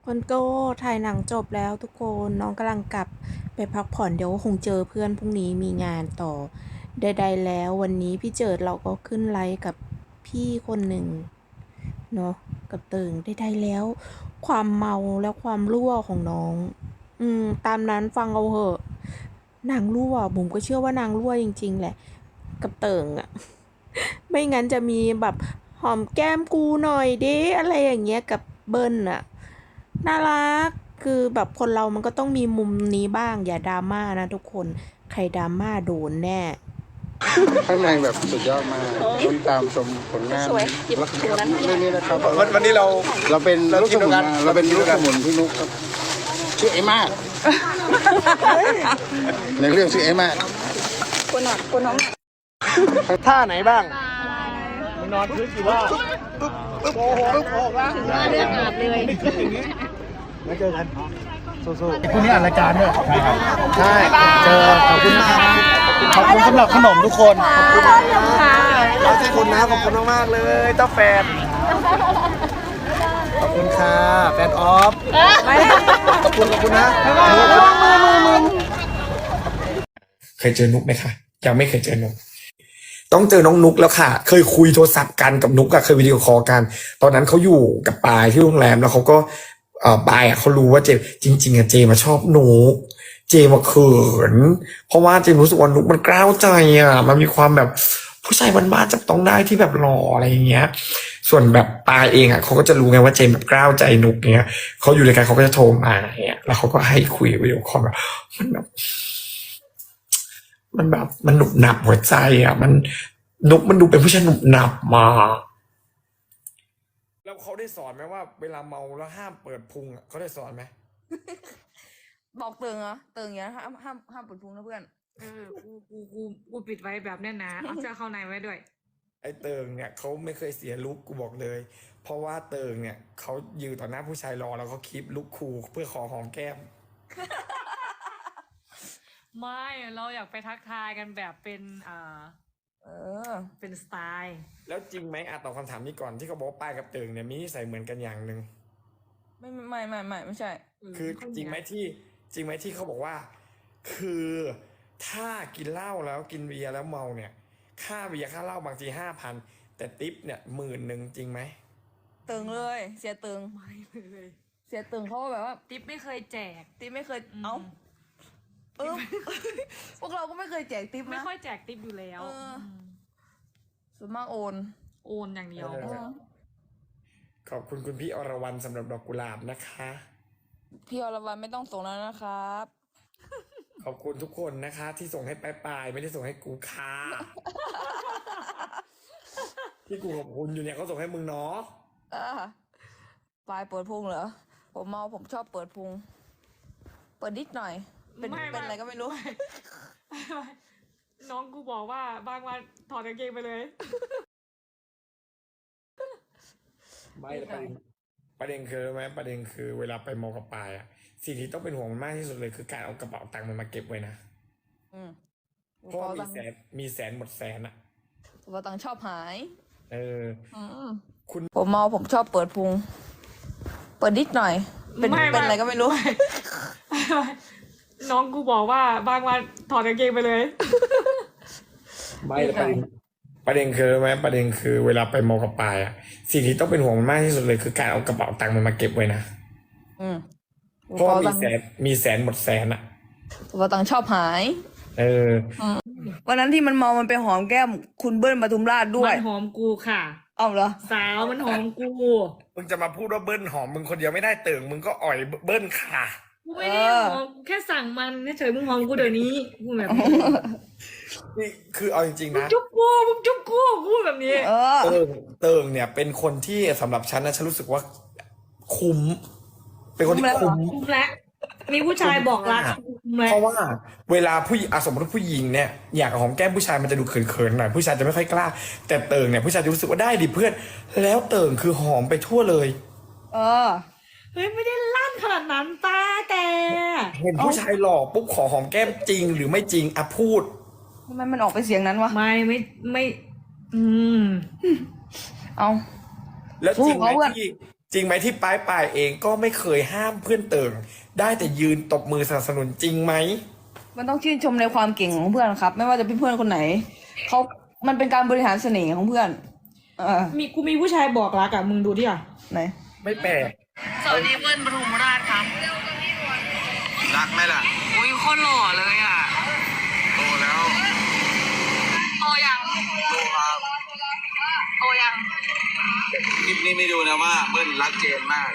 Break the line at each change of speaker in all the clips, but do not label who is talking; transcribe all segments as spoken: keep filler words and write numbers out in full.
คนโก้ถ่ายหนังจบแล้วทุกคนน้องกำลังกลับไปพักผ่อนเดี๋ยวคงเจอเพื่อนพรุ่งนี้มีงานต่อใดๆแล้ววันนี้พี่เจิดเราก็ขึ้นไลฟ์กับพี่คนหนึ่งเนาะกับเติงใดๆแล้วความเมาและความรั่วของน้องอืมตามนั้นฟังเอาเหอะนางรั่วผมก็เชื่อว่านางรั่วจริงๆแหละกับเติงอะไม่งั้นจะมีแบบหอมแก้มกูหน่อยเด้อะไรอย่างเงี้ยกับเบิ้ลอะ น่ารัก คือแบบคนเรามันก็ต้องมีมุมนี้บ้าง อย่าดราม่านะทุกคน ใครดราม่าโดนแน่
ข้างในแบบสุดยอดมากต้องตามชมผลงานแล้วก็เรื่องนี้นะครับ
วันวันนี้เรา
เราเป็น
เรา
ลูก
ที
ส
ม
มุ
เดียวน กัน
เราเป็น
เราทีม
ลู
เดี
ก
ยวกัน
สมุนพี่นุ๊กครับชื่อไอ้มากในเรื่องชื่อไอ้มาก
ท่าไหนบ้างมึงนอนพื้นกี่รอบปึ๊บปึ๊บปึ๊บออกแล้วเลือดอาบเลยมาเจอกันสู้ๆพรุ่งนี้อ่านรายการด้วยใช่เจอขอบคุณนะครับขอบคุณสำหรับขนมทุกคนขอบคุณค่ะเราขอบคุณนะขอบคุณมากๆเลยเจ้าแฟนขอบคุณค่ะแฟนออฟขอบคุณขอบคุณนะมือมือมือมือ
เคยเจอนุกไหมคะยังไม่เคยเจอนุกต้องเจอน้องนุกแล้วค่ะ เคยคุยโทรศัพท์กันกับนุกอะเคยวิดีโอคอลกัน ตอนนั้นเขาอยู่กับปายที่โรงแรมแล้วเขาก็เอ่อปายอะเขารู้ว่าเจมจริงๆอะเจมาชอบนุกเจมาเขินเพราะว่าเจมรู้สึกว่านุกมันกล้าวใจอะมันมีความแบบผู้ชายบ้านๆจับต้องได้ที่แบบหล่ออะไรอย่างเงี้ย ส่วนแบบปายเองอะเขาก็จะรู้ไงว่าเจมแบบกล้าวใจนุกเงี้ยเขาอยู่ด้วยกันเขาก็จะโทรมาเงี้ยแล้วเขาก็ให้คุยวิดีโอคอลแบบมันแบบ มันแบบมันหนุบหนับหัวใจอ่ะมันนุกมันดูเป็นผู้ชายหนุบหนับมาแล้วเขาได้สอนไหมว่าเวลาเมาแล้วห้ามเปิดพุงอ่ะเขาได้สอนไหม
บอกเติงเหรอเติงอย่างนี้ยห้ามห้ามห้ามปวดพุงนะเพื่อน
เออกูกูกูกูปิดไว้แบบแน่นหนาเอาเสื้อเข้าในไว้ด้วย
ไอ้เติงเนี่ยเขาไม่เคยเสียลุคกูบอกเลย เพราะว่าเติงเนี่ยเขายืนต่อหน้าผู้ชายรอแล้วเขาคลิปลุคคูลเพื่อขอหอมแก้ม
ไม่เราอยากไปทักทายกันแบบเป็นอ่า
เออ
เป็นสไตล์
แล้วจริงไหมอ่ะตอบคำถามนี้ก่อนที่เขาบอกว่าปายกับเติงเนี่ยมีนิสัยเหมือนกันอย่างหนึ่ง
ไม่ไม่ไม่ไม่ไม่ใช่
คือจริงไหมที่จริงไหมที่เขาบอกว่า คือถ้ากินเหล้าแล้วกินเบียร์แล้วเมาเนี่ย ค่าเบียร์ค่าเหล้าบางทีห้าพันแต่ทิปเนี่ยหมื่นหนึ่งจริงไหม
เติงเลย เสียเติง
ไม่เลย
เสียเติงเขาก็แบบว่า
ติ๊บไม่เคยแจก
ติ๊บไม่เคย
อืม
เอ้าเออ พวกเราก็ไม่เคยแจกติ๊บ
ไม่
นะ
ค่อยแจกติ๊บอยู่แล้ว
เออ
ม
ส่วนมากโอน
โอนอย่างเดียว
เออ ขอบคุณคุณพี่อรวรรณสำหรับดอกกุหลาบนะคะ
พี่อรวรรณไม่ต้องส่งแล้วนะครับ
ขอบคุณทุกคนนะคะ ที่ส่งให้ปลายปลายๆไม่ได้ส่งให้กูค่ะ ที่กูขอบคุณอยู่เนี่ยเขาส่งให้มึงเนาะ
อ่าปลายเปิดพุงเหรอ ผมเมาผมชอบเปิดพุง เปิดนิดหน่อย เป็น
ไม่
เป็นอะไรก็ไม่รู้
น้องกูบอกว่าบางวันถอดกางเกงไปเลย
ไม่แต่ประเด็นประเด็นคือไหมประเด็นคือเวลาไปมอกับปลายอะสิ่งที่ต้องเป็นห่วงมันมากที่สุดเลยคือการเอากระเป๋าตังค์มันมาเก็บไว้นะ
อืม
เพราะว่ามี
ตังค์
แสนมีแสนหมดแสนอะ
กระเป๋าตังค์ชอบหาย
เออ
อืม
คุณ
ผมเมาผมชอบเปิดพุง เปิดนิดหน่อย เป็น
ไม่
เป็นอะไรก็ไม่รู้
น้องกูบอกว่าบางวันถอดกางเกงไปเลย
ไม่แต่ประเด็นประเด็นคือไหมประเด็นคือเวลาไปมอกับปลายอะสิ่งที่ต้องเป็นห่วงมันมากที่สุดเลยคือการเอากระเป๋าตังค์มันมาเก็บไว้นะ
อืม
เพราะว่ามีแสนมีแสนหมดแสนอะ
กระเป๋าตังค์ชอบหาย
เออ
วันนั้นที่มันเมา มันไปหอมแก้มคุณเบิ้ลปทุมราชด้วย
มันหอมกูค่ะ
เอาเหรอ
สาวมันหอมกู
มึงจะมาพูดว่าเบิ้ลหอมมึงคนเดียวไม่ได้เติ่งมึงก็อ่อยเบิ้ลค่ะ
กูไม่ได้หอมกูแค่สั่งมันเฉยๆมึงหอมกูเดี๋ยวนี้กูแบบนี้
นี่คือเอาจริงๆ
มึง
นะ
จุ๊บกูมึงจุ๊บกูกูแบบนี้
เออ
เติ่งเติ่งเนี่ยเป็นคนที่สำหรับฉันนะฉันรู้สึกว่าคุ้ม เป็นคนที่
คุ้
คุ้
ม
ม
แล้ว
คุ้มแล้วมีผู้ชายบอกรักคุ้มแล้ว
เพราะว่าเวลาผู้หญิงอ่ะสมมติว่าผู้หญิงเนี่ยอยากหอมแก้มผู้ชายมันจะดูเขินๆหน่อยผู้ชายจะไม่ค่อยกล้า แต่เติ่งเนี่ยผู้ชายจะรู้สึกว่าได้ดิเพื่อน แล้วเติ่งคือหอมไปทั่วเลย
เออ
เฮ้ยไม่ได้ลั่นขนาดนั้นตาแต่
เห็นผู้ชายหล่อปุ๊บขอหอมแก้มจริงหรือไม่จริงอ่ะพูด
ทำไมมันออกไปเสียงนั้นวะ
ไม่ไม่ไม่ อืม
เอา
แล้วจริงไหม
พูดเขาอะ
ที่จริงไหมที่ปลายปลายเองก็ไม่เคยห้ามเพื่อนเติ่งได้แต่ยืนตบมือสนับสนุนจริงไหม
มันต้องชื่นชมในความเก่งของเพื่อนครับ ไม่ว่าจะเป็นเพื่อนคนไหนเขามันเป็นการบริหารเสน่ห์ของเพื่อน เออ
มีกูมีผู้ชายบอกรักอะมึงดูที่อ่ะ
ไหน
ไม่แปลก
สวัสดีเพื่อนปฐุมราชครับ
รักไหมล่ะ
อุ้ยโคตรหล่อเลยอ่ะ
โตแล้ว
โตยัง
โตครับ
โตยัง
คลิปนี้ไม่ดูนะว่าเบิ้ลรักเจนมาก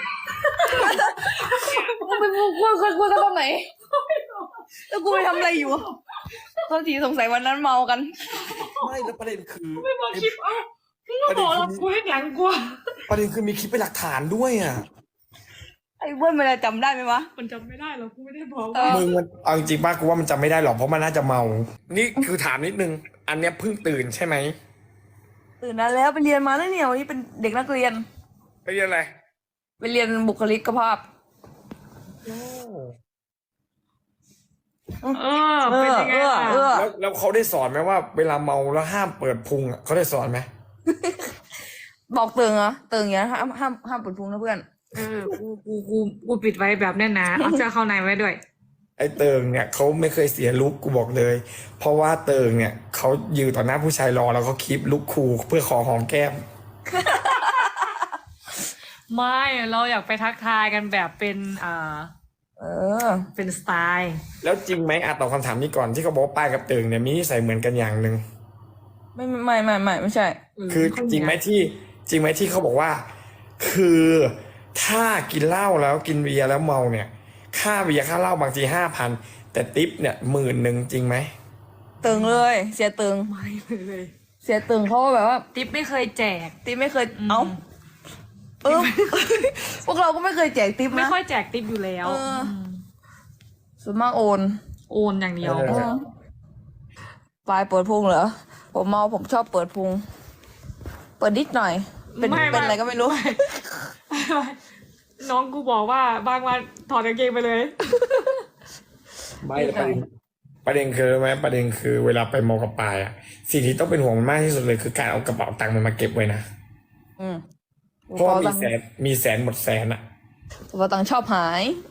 มึงไปพูดคุยคุยคุยกันตอนไหน แล้วกูไปทำอะไรอยู่ตอนทีสงสัยวันนั้นเมากัน
ไม่แล้วประเด็นคือ
ไม่บอกคลิปเอ้ามึงก็บอกเรากูให้หลังกูอะ
ประเด็นคือมีคลิปเป็นหลักฐานด้วยอ่ะ
ไอ้เบิ้ลมันจะจำได้ไหมวะ
มันจำไม่ได้หรอกกูไม่ได้บอก
เออ
มึงมันเอาจริงๆป้ากูว่ามันจำไม่ได้หรอกเพราะมันน่าจะเมา นี่คือถามนิดนึง อันเนี้ยเพิ่งตื่นใช่ไหม
ตื่นนานแล้วไปเรียนมาแล้วเนี่ยวันนี้เป็นเด็กนักเรียน
ไปเรียนอะไร
ไปเรียนบุคลิกภาพ
เออเป็นยังไงล่ะ
เออ
แล้วแล้วเขาได้สอนไหมว่า เวลาเมาแล้วห้ามเปิดพุงอ่ะเขาได้สอนไหม
บอกเติงเหรอเติงอย่างนี้ยห้ามห้ามห้ามเปิดพุงนะเพื่อน
เออกูกูกูกูปิดไว้แบบแน่นหนาเอาเสื้อเข้าในไว้ด้วย
ไอ้เติงเนี่ยเขาไม่เคยเสียลุคกูบอกเลย เพราะว่าเติงเนี่ยเขายืนต่อหน้าผู้ชายรอแล้วเขาคลิปลุคคูลเพื่อขอหอมแก้ม
ไม่เราอยากไปทักทายกันแบบเป็นอ่า
เออ
เป็นสไตล์
แล้วจริงไหมอ่ะตอบคำถามนี้ก่อนที่เขาบอกว่าป้ายกับเติงเนี่ยมีนิสัยเหมือนกันอย่างหนึ่ง
ไม่ไม่ไม่ไม่ไม่ใช่
คือจริงไหมที่จริงไหมที่เขาบอกว่า คือถ้ากินเหล้าแล้วกินเบียร์แล้วเมาเนี่ย ค่าเบียร์ค่าเหล้าบางทีห้าพันแต่ทิปเนี่ยหมื่นหนึ่งจริงไหม
เติงเลย เสียเติง
ไม่เลย
เสียเติงเขาก็แบบว่า
ติ๊บไม่เคยแจก
ติ๊บไม่เคย เอ้าเออ พวกเราก็ไม่เคยแจกติ๊บ
ไม่
นะ
ค่อยแจกติ๊บอยู่แล้ว
เออ
ม
ส่วนมากโอน
โอนอย่างเดียว
เออ
ปลายเปิดพุงเหรอ ผมเมาผมชอบเปิดพุง เปิดนิดหน่อย เป็น
ไม่
เป็นอะไรก็ไม่รู้
น้องกูบอกว่าบางวันถอดกางเกงไปเลย
ไม่แต่ประเด็นประเด็นคือไหมประเด็นคือเวลาไปมอกับปายอะสิ่งที่ต้องเป็นห่วงมันมากที่สุดเลยคือการเอากระเป๋าตังค์มันมาเก็บไว้นะ
อืม
เพราะว่ามีแสนมีแสนหมดแสนอะ
กระเป๋าตังค์ชอบหาย